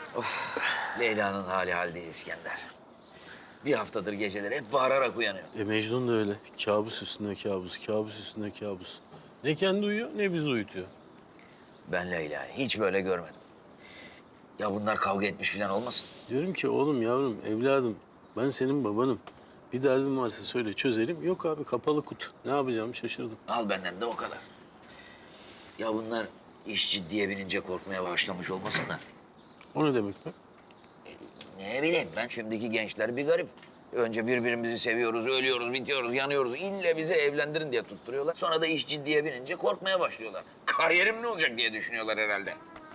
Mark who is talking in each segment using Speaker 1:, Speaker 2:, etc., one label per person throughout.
Speaker 1: Leyla'nın hali hal değil İskender. Bir haftadır geceleri hep bağırarak uyanıyor.
Speaker 2: Mecnun da öyle. Kabus üstüne kabus, kabus üstüne kabus. Ne kendi uyuyor ne bizi uyutuyor.
Speaker 1: Ben Leyla'yı hiç böyle görmedim. Ya bunlar kavga etmiş falan olmasın?
Speaker 2: Diyorum ki oğlum, yavrum, evladım ben senin babanım. Bir derdin varsa söyle çözelim. Yok abi, kapalı kutu. Ne yapacağımı şaşırdım.
Speaker 1: Al benden de o kadar. Ya bunlar iş ciddiye binince korkmaya başlamış olmasınlar?
Speaker 2: O ne demek be?
Speaker 1: Ne bileyim ben, şimdiki gençler bir garip. Önce birbirimizi seviyoruz, ölüyoruz, bitiyoruz, yanıyoruz. İlle bizi evlendirin diye tutturuyorlar. Sonra da iş ciddiye binince korkmaya başlıyorlar. Kariyerim ne olacak diye düşünüyorlar herhalde.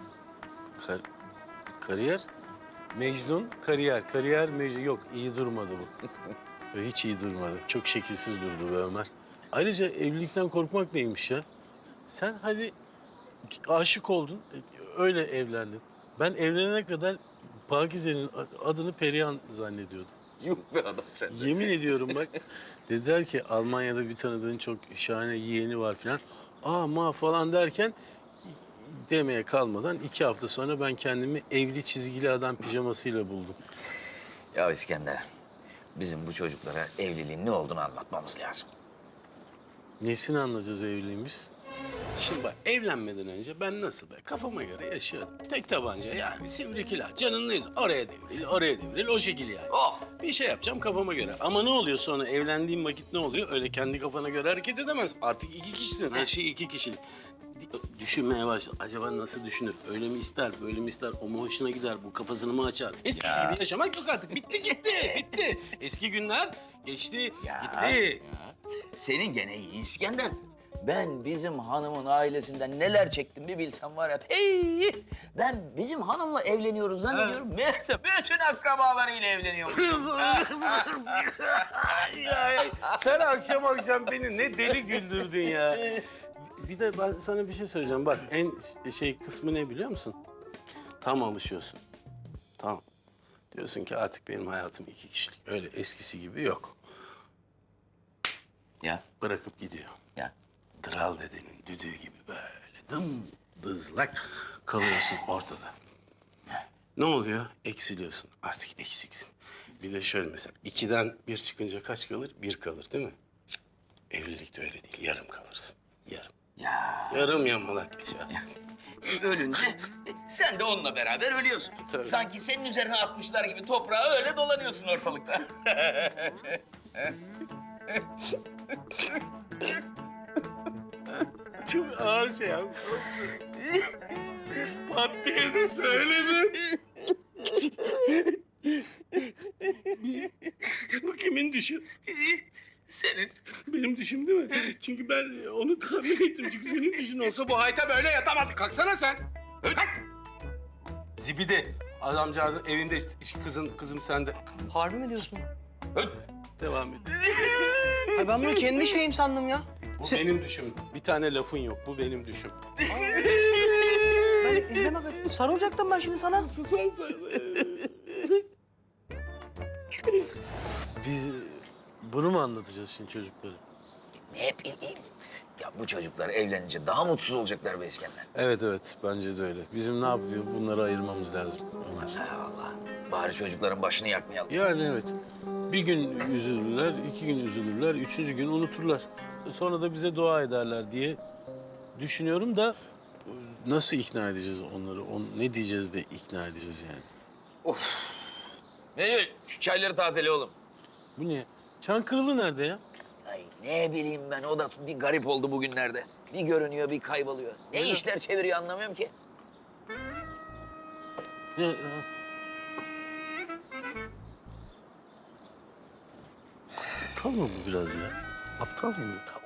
Speaker 2: Kariyer? Mecnun, kariyer. Kariyer, Mecnun. Yok, iyi durmadı bu. Hiç iyi durmadı. Çok şekilsiz durdu be Ömer. Ayrıca evlilikten korkmak neymiş ya? Sen hadi aşık oldun, öyle evlendin. Ben evlenene kadar Pakize'nin adını Perihan zannediyordum.
Speaker 1: Yuh be adam sen de.
Speaker 2: Yemin ediyorum bak. Dediler ki Almanya'da bir tanıdığın çok şahane yeğeni var filan. Ma falan derken demeye kalmadan 2 hafta sonra ben kendimi evli çizgili adam pijamasıyla buldum.
Speaker 1: Ya İskender, bizim bu çocuklara evliliğin ne olduğunu anlatmamız lazım.
Speaker 2: Nesini anlayacağız evliliğimiz? Şimdi bak, evlenmeden önce ben nasıl be kafama göre yaşıyorum. Tek tabanca yani, sivrikilah, canınlıyız. Oraya devril, oraya devril, o şekil yani.
Speaker 1: Oh!
Speaker 2: Bir şey yapacağım kafama göre. Ama ne oluyor sonra, evlendiğim vakit ne oluyor? Öyle kendi kafana göre hareket edemez. Artık 2 kişisin, her şey 2 kişilik. Düşünmeye başla. Acaba nasıl düşünür? Öyle mi ister, böyle mi ister? O mu hoşuna gider, bu kafasını mı açar? Eskisi gibi yaşamak yok artık. Bitti gitti, bitti. Eski günler geçti, gitti.
Speaker 1: Senin gene iyi İskender. Ben bizim hanımın ailesinden neler çektim bir bilsem var ya. Hey! Ben bizim hanımla evleniyoruz zannediyorum. Meğerse bütün akrabalarıyla evleniyormuş.
Speaker 2: Sen akşam akşam beni ne deli güldürdün ya. Bir de ben sana bir şey söyleyeceğim. Bak, en kısmı ne biliyor musun? Tam alışıyorsun. Tamam. Diyorsun ki artık benim hayatım 2 kişilik. Öyle eskisi gibi yok.
Speaker 1: Ya,
Speaker 2: Bırakıp gidiyor.
Speaker 1: ya.
Speaker 2: Dral dedenin düdüğü gibi böyle dızlak kalıyorsun ortada. Ne oluyor? Eksiliyorsun. Artık eksiksin. Bir de şöyle mesela 2'den 1 çıkınca kaç kalır? 1 kalır değil mi? Cık. Evlilikte öyle değil. Yarım kalırsın. Yarım.
Speaker 1: Ya.
Speaker 2: Yarım yamalak yaşarsın.
Speaker 1: Ölünce sen de onunla beraber ölüyorsun.
Speaker 2: Tabii.
Speaker 1: Sanki senin üzerine atmışlar gibi toprağa öyle dolanıyorsun ortalıkta.
Speaker 2: Çok ağır şey abi. Pat diye de söyledin. Bu kimin düşü?
Speaker 1: Senin.
Speaker 2: Benim düşüm değil mi? Çünkü ben onu tahmin ettim. Çünkü senin düşün olsa bu hayta böyle yatamaz. Kalksana sen. Kalk. Zibidi. Adamcağızın evinde kızım sende.
Speaker 3: Harbi mi diyorsun?
Speaker 2: Devam et.
Speaker 3: Ay ben bunu kendi şeyim sandım ya.
Speaker 2: Bu benim düşüm. Bir tane lafın yok. Bu benim düşüm.
Speaker 3: Ben izleme. Sarılacaktım ben şimdi sana.
Speaker 2: Susarsan. Biz bunu mu anlatacağız şimdi çocuklara?
Speaker 1: Ne bileyim. Ya bu çocuklar evlenince daha mutsuz olacaklar be İskender.
Speaker 2: Evet, bence de öyle. Bizim ne yapıyor? Bunları ayırmamız lazım Ömer.
Speaker 1: Ha Allah. Bari çocukların başını yakmayalım.
Speaker 2: Yani evet. Bir gün üzülürler, 2 gün üzülürler, 3. gün unuturlar. Sonra da bize dua ederler diye düşünüyorum da nasıl ikna edeceğiz onları? Ne diyeceğiz de ikna edeceğiz yani?
Speaker 1: Ne diyor? Şu çayları tazele oğlum.
Speaker 2: Bu ne? Çankırılı nerede ya?
Speaker 1: Ay ne bileyim ben, o da bir garip oldu bugünlerde. Bir görünüyor, bir kayboluyor. Ne işler çeviriyor anlamıyorum ki.
Speaker 2: Ne? Aptal mı bu biraz ya? Aptal mı?